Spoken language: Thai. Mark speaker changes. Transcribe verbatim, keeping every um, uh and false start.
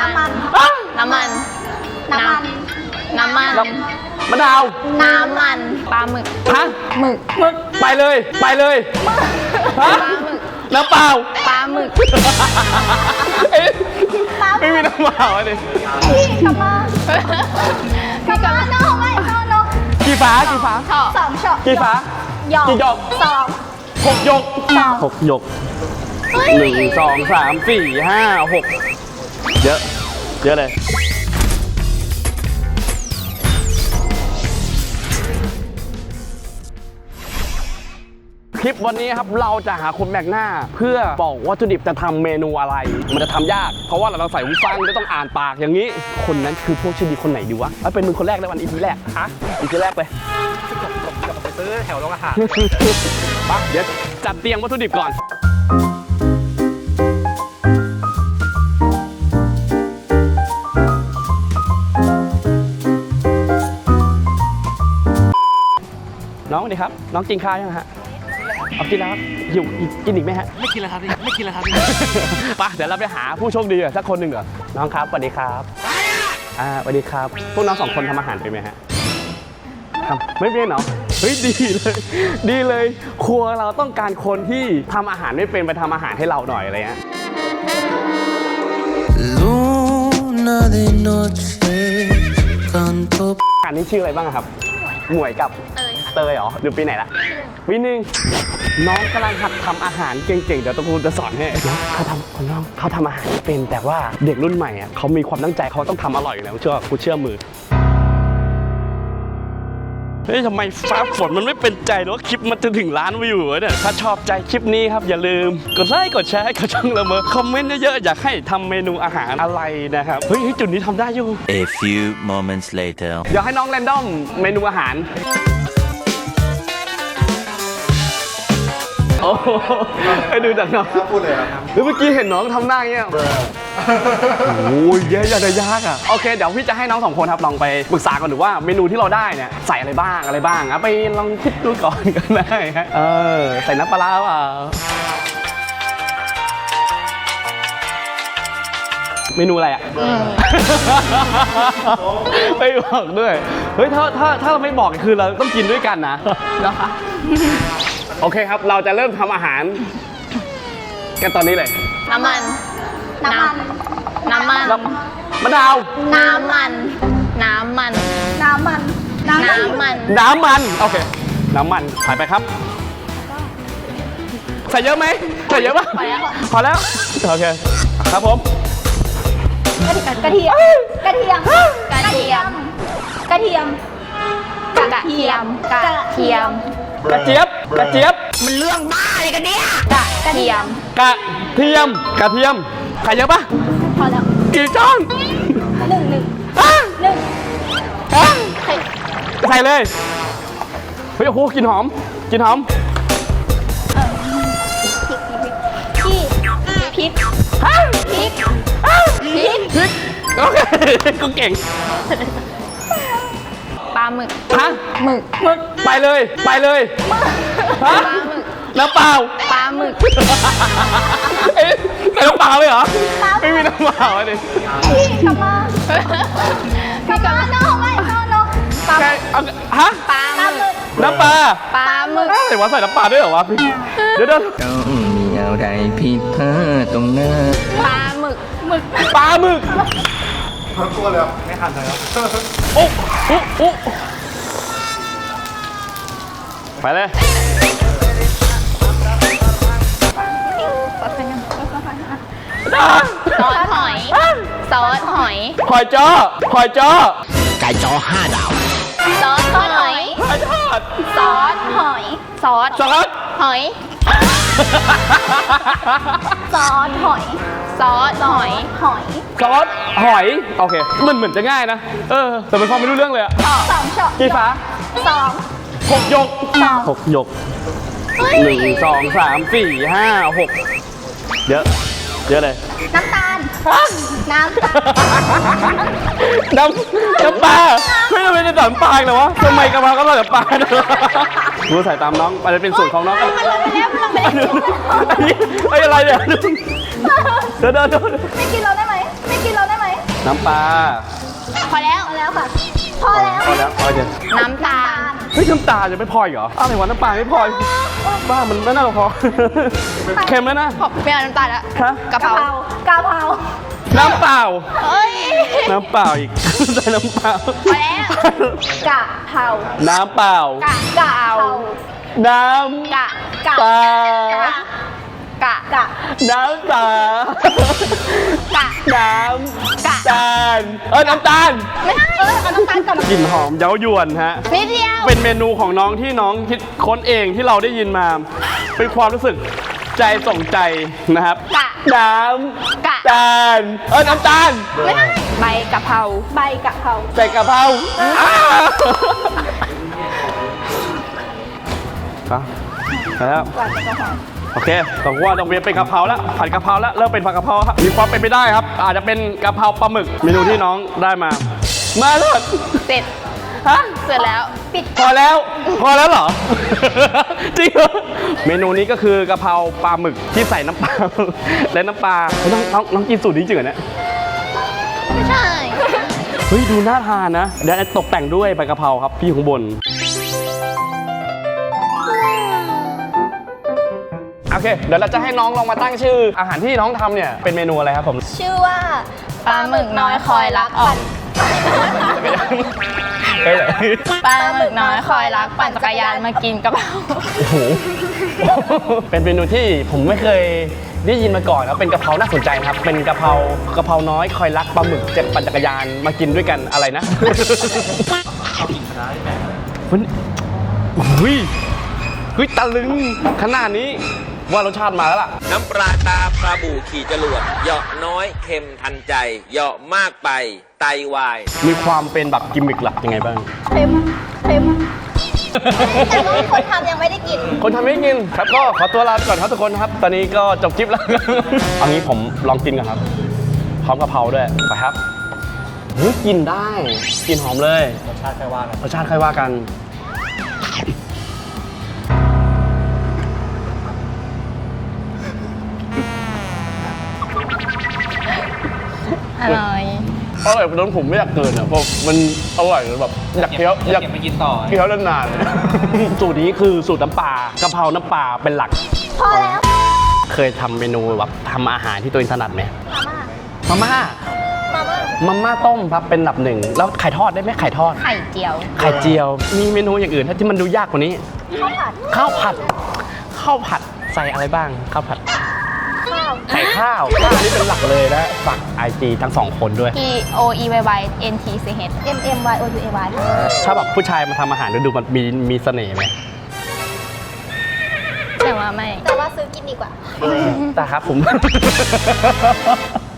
Speaker 1: น้ำมันน้ำมันน้ำมันน้ำมัน
Speaker 2: มะนาว
Speaker 1: น้ำมันปลาหมึก
Speaker 2: ฮะ
Speaker 1: หมึก
Speaker 2: หมึกไปเลยไปเลยฮะน้ำเปล่า
Speaker 1: ปลาหมึก
Speaker 2: ไม่มีน้ำเปล่าเลย
Speaker 1: พี่กลับมาพี่กลับมาน้องไม่น้องน้อง
Speaker 2: กี่ฟ้ากี่ฟ้า
Speaker 1: สองช็อต
Speaker 2: กี่ฟ้ากี่หยก
Speaker 1: สอง
Speaker 2: หกหยกหกหยกหนึ่งสองสามสี่ห้าหกเยอะเยอะเลยคลิปวันนี้ครับเราจะหาคนแบกหน้าเพื่อบอกวัตถุดิบจะทำเมนูอะไรมันจะทำยากเพราะว่าเราใส่หูฟังก็ต้องอ่านปากอย่างนี้คนนั้นคือพวกชื่อดีคนไหนดีวะเอาเป็นมึงคนแรกในวันอีพีแรกฮะอีพีแรกไปกลับไปซื้อแถวโรงอาหารปะเดี๋ยวจัดเตรียมวัตถุดิบก่อนน้องสวัสดีครับน้องกินข้าวยังฮะเอากินแล้วครับหิวกินอีกไหมฮะ
Speaker 3: ไม่กินแล้วครับไม่กินแล้วครับ
Speaker 2: ป่ะเดี๋ยวเราไปหาผู้โชคดีสักคนหนึ่งเหรอน้องครับสวัสดีครับอ่าสวัสดีครับพวกน้องสองคนทำอาหารเป็นไหมฮะทำไม่เป็นเหรอเฮ้ยดีเลยดีเลยครัวเราต้องการคนที่ทำอาหารไม่เป็นไปทำอาหารให้เราหน่อยอะไรเงี้ยอันนี้ชื่ออะไรบ้างครับหมวยกับเตยเหรออยู่ปีไหนละปีหนึ่งน้องกำลังหัดทำอาหารเก่งๆเดี๋ยวตะกูจะสอนให้น้องเขาทำคนน้องเขาทำอาหารเป็นแต่ว่าเด็กรุ่นใหม่อ่ะเขามีความตั้งใจเขาต้องทำอร่อยอยู่แล้วเชื่อกูเชื่อมือเฮ้ยทำไมฟ้าฝนมันไม่เป็นใจหรอคลิปมันจะถึงล้านวิวเนี่ยถ้าชอบใจคลิปนี้ครับอย่าลืมกดไลค์กดแชร์กดช่องละเมอคอมเมนต์เยอะๆอยากให้ทำเมนูอาหารอะไรนะครับเฮ้ยจุดนี้ทำได้อยู่
Speaker 4: A few moments later
Speaker 2: เดี๋ยวให้น้องแรนดอมเมนูอาหารโอ้ให้ดูจากน้องพูดเลยครับเมื่อกี้เห็นน้องทำหน้าเงี้ยโอ้ยแย่ยากยากอ่ะโอเคเดี๋ยวพี่จะให้น้องสองคนครับลองไปปรึกษากันดูว่าเมนูที่เราได้เนี่ยใส่อะไรบ้างอะไรบ้างอ่ะไปลองคิดดูก่อนกันได้ฮะเออใส่น้ำปลาเปล่าเมนูอะไรอ่ะไม่บอกด้วยเฮ้ยถ้าถ้าถ้าเราไม่บอกคือเราต้องกินด้วยกันนะแล้วคะโอเคครับเราจะเริ่มทำอาหารกันตอนนี้เลย
Speaker 1: น้ำมันน้ำมันน้ำมัน
Speaker 2: มะนาว
Speaker 1: น้ำมันน้ำมันน้ำมันน้ำมัน
Speaker 2: น้ำมันโอเคน้ำมันใส่ไปครับใส่เยอะไหมใส่เยอะป่ะพอแล้วโอเคครับผม
Speaker 1: กระเทียมกระเทียมกระเทียมกระเทียมกระเทียมกระเทียม
Speaker 2: กระเจี๊ยบกระเจี๊ยบ
Speaker 1: มันเรื่องบ้าอะไรกันเนี่ยกระเทียม
Speaker 2: กระเทียมกระเทียมใส่เยอะปะ
Speaker 1: พอแล้ว
Speaker 2: กี่ช้อน
Speaker 1: หนึ่งหนึ่งหนึ่ง
Speaker 2: ใส่เลยเฮ้ยโอ้โหกลิ่นหอมกลิ่นหอม
Speaker 1: พริกพริกพริกพริกพริก
Speaker 2: โอเคกูเก่ง
Speaker 1: ปลาหมึก
Speaker 2: ฮะ
Speaker 1: หมึก
Speaker 2: หมึกไปเลยไปเลยฮะน้ำเปล่า
Speaker 1: ปลาหมึก
Speaker 2: เอ๊ะใส่น้ำเปล่าเลยเหรอไม่มีน้ำเปล่าเลย
Speaker 1: พี่กลับมาพี่กลับมาน้องไม่น้องน้อง
Speaker 2: ปลาฮะ
Speaker 1: ปลาหมึก
Speaker 2: น้ำปลา
Speaker 1: ปลาหมึก
Speaker 2: อะไรวะใส่น้ำปลาด้วยเหรอวะพี่เดี๋ยวเดี๋ยว
Speaker 4: ต้องมีอะไรผิดพลาดตรงหน้า
Speaker 1: ปลาหมึกหมึก
Speaker 2: ปลาหมึก
Speaker 3: ทั้งตัวเลยไม่ทันเลยครับ
Speaker 2: โอ้โอ้โอ้ไปเลย
Speaker 1: ซอสหอยซอสหอย
Speaker 2: หอยจ้อหอยจ้อ
Speaker 4: ไก่จ้อห้าดาว
Speaker 1: ซอสหอย
Speaker 2: หอยทอด
Speaker 1: ซอสหอยซอส
Speaker 2: ซอส
Speaker 1: หอยซอสหอยซอสหอยหอย
Speaker 2: ซอสหอยโอเคมันเหมือนจะง่ายนะเออแต่มันฟังไม่รู้เรื่องเลยอะ
Speaker 1: สองช็อต
Speaker 2: กี่ฟ้า
Speaker 1: สอง
Speaker 2: หกหยกหกหยกหนึ่งสองสามสี่ห้าหกเยอะเยอะเลย
Speaker 1: น้ำตาลน้ำตาล
Speaker 2: น้ำน้ำปลาไม่ทำไมจะน้ำปลาเลยวะทำไมกระเพราก็ใส่น้ำปลาดูใส่ตามน้องมันจะเป็นสูตรของน้อง
Speaker 1: มันลงไปแล้วมันลงไปแล้ว
Speaker 2: อันนี้อะไรเนี่ยเดินเดิน
Speaker 1: ไม่กินเราได้ไหมไม่กินเราได้ไหม
Speaker 2: น้ำปลา
Speaker 1: พอแล้วพอแล้วค่ะ พอแล้ว
Speaker 2: พอแล้วพอเดี๋ยว
Speaker 1: น้ำตาล
Speaker 2: เฮ้ยน้ำตาลจะไม่พออีกเหรออะไรวะน้ำปลาไม่พออีกบ้ามันไม่น่าจะพอ เค็มแล้วนะ
Speaker 1: พอไม่เอาน้ำตาลแล้ว
Speaker 2: ฮะ
Speaker 1: กะเพราก
Speaker 5: ะเพรา
Speaker 2: น้ำเปล่า
Speaker 1: เอ้ย
Speaker 2: น้ำเปล่าอีก ใส่น้ำเปล่า
Speaker 1: พอแล้ว
Speaker 5: กะเพรา
Speaker 2: น้ำเปล่า
Speaker 1: กะกะเอา
Speaker 2: น้
Speaker 1: กะ
Speaker 2: ำ
Speaker 1: กะ
Speaker 2: ปลาก
Speaker 1: ะกะ
Speaker 5: กะ
Speaker 2: น้ำตา
Speaker 1: กะ
Speaker 2: น้
Speaker 1: กะ
Speaker 2: ำตาลเออน้ำตาล
Speaker 1: ไม่ให้เออเอาน้ำตาลก่อน
Speaker 2: กลิ่นหอมเย้ายวนฮะ
Speaker 1: นิดเดียว
Speaker 2: เป็นเมนูของน้องที่น้องคิดค้นเองที่เราได้ยินมา เป็นความรู้สึกใจส่งใจนะครับ
Speaker 1: กะ
Speaker 2: น้
Speaker 1: กะ
Speaker 2: ำตาลเออน้ำตาล
Speaker 1: ไม่ให้ใบกะเพรา
Speaker 5: ใบกะเพรา
Speaker 2: ใส่กะเพราอ้าวไปแล้ว
Speaker 5: กวาดกะเพรา
Speaker 2: โอเคต้องว่าต้องเรียนเป็นกะเพราแล้วผัดกะเพราแล้วเริ่มเป็นผัดกะเพราครับมีความเป็นไปได้ครับ อาจจะเป็นกะเพราปลาหมึกเมนูที่น้องได้มา มาเลย
Speaker 1: เสร็จ
Speaker 2: ฮะ
Speaker 1: เสร็จแล้ว
Speaker 5: ปิด
Speaker 2: พอแล้ว พอแล้วเหรอ จริงเหรอเมนูนี้ก็คือกะเพราปลาหมึกที่ใส่น้ำปลา และน้ำปลาเฮ้ยน้องน้องน้องกินสูตรนี้จริงเหรอเนี่ย
Speaker 1: ไม่ใช่
Speaker 2: เฮ้ยดูน่าทานนะเดี๋ยวตกแต่งด้วยใบกะเพราครับพี่อยู่ข้างบนโอเคเดี๋ยวเราจะให้น้องลองมาตั้งชื่อ อาหารที่น้องทำเนี่ยเป็นเมนูอะไรครับผม
Speaker 5: ชื่อว่า
Speaker 1: ปลาหมึกน้อยคอยรักอ่อน
Speaker 2: เฮ้ย
Speaker 1: ปลาหมึกน้อยคอยรักปั่นจักรยานมากินกะเพรา
Speaker 2: โอ้โห เป็นเมนูที่ผมไม่เคยได้ยินมาก่อนครับเป็นกะเพราน่าสนใจครับ เป็นกะเพรากะเพราน้อยคอยรักปลาหมึกเจ็บปั่นจักรยานมากินด้วยกันอะไรนะเฮ้ยเฮ้ยเฮ้ยตะลึงขนาดนี้ว่ารสชาติมาแล้วล่ะ
Speaker 6: น้ำปลาตาปลาบู่ขี่จรวดเหยาะน้อยเค็มทันใจเหยาะมากไปไตวาย
Speaker 2: มีความเป็นแบบกิมมิคหลักยังไงบ้าง
Speaker 5: เค็มเค็มแต่ว่าคนทำยังไม่ได้กิน
Speaker 2: คนทำไม่กินครับก็ขอตัวลาไปก่อนครับทุกคนครับ ตอนนี้ก็จบคลิปแล้ว เอางี้ผมลองกินก่อนครับ พร้อมกะเพราด้วยไปครับเฮ้ยกินได้กลินหอมเลย
Speaker 3: รสชาติใครว่ากัน
Speaker 2: รสชาติค่อยว่ากัน
Speaker 1: อร่อย
Speaker 2: อร่อยจนผมไม่อยากเกินอ่ะเพราะมันอร่อยจนแบบอยากเคี้ยวอยาก
Speaker 3: เก็บไปกินต่อ
Speaker 2: เคี้ยวนานๆ สูตรนี้คือสูตรน้ำปลากะเพราน้ำปลาเป็นหลัก
Speaker 5: พอแล้ว
Speaker 2: เคยทำเมนูแบบทำอาหารที่ตัวเองถนัดไหม
Speaker 5: มาม่า
Speaker 2: มาม่า
Speaker 5: มาม่า
Speaker 2: มาม่าต้มครับเป็นอันดับหนึ่งแล้วไข่ทอดได้ไหมไข่ทอด
Speaker 1: ไข่เจียว
Speaker 2: ไข่เจียว มีเมนูอย่างอื่นที่มันดูยากกว่านี้
Speaker 5: ข้าวผัด
Speaker 2: ข้าวผัด ข้าวผัดใส่อะไรบ้าง ข้าวผัด
Speaker 5: ข้าว
Speaker 2: ใส่ข้าว ข้าวนี่เป็นหลักเลยนะฝากไอจีทั้งสองคนด้วย
Speaker 1: P O E Y Y N T C H
Speaker 5: M M Y O U A Y
Speaker 2: ถ้าแบบผู้ชายมาทำอาหารดูมันมีมีเสน่ห์ไหม
Speaker 1: แต่ว่าไม่
Speaker 5: แต่ว่าซื้อกินดีกว่า
Speaker 2: แต่ครับผม